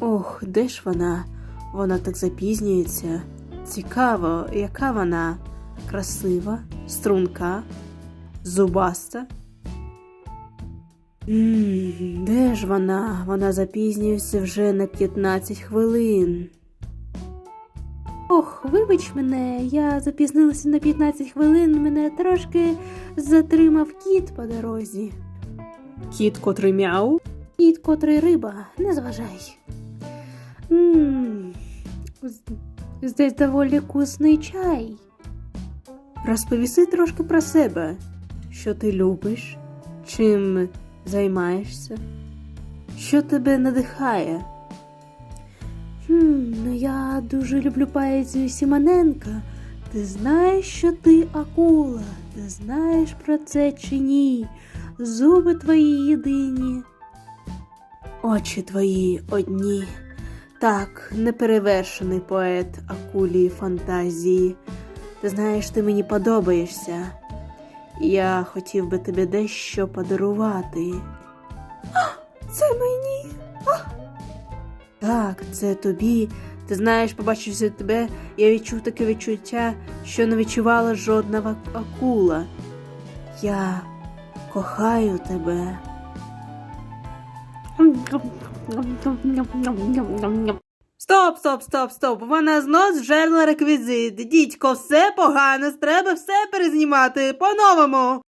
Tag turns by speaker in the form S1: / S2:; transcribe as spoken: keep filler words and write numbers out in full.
S1: Ох, де ж вона? Вона так запізнюється. Цікаво, яка вона? Красива, струнка, зубаста? Ммм, де ж вона? Вона запізнюється вже на п'ятнадцять хвилин. Ох, вибач мене, я запізнилася на п'ятнадцять хвилин, мене трошки затримав кіт по дорозі. Кіт, котрий мяу? Кіт, котрий риба, не зважай. Ммм, здесь доволі вкусний чай. Розповіси трошки про себе. Що ти любиш? Чим займаєшся? Що тебе надихає? Хм, ну я дуже люблю поезію Симоненка. Ти знаєш, що ти акула? Ти знаєш про це чи ні? Зуби твої єдині. Очі твої одні. Так, неперевершений поет акулії фантазії. Ти знаєш, ти мені подобаєшся. Я хотів би тобі дещо подарувати. Це мені? Так, це тобі. Ти знаєш, побачивши тебе, я відчув таке відчуття, що не відчувала жодна акула. Я кохаю тебе. Стоп, стоп, стоп, стоп. Вона знов зжерла реквізит. Дідько, все погано, треба все перезнімати по-новому.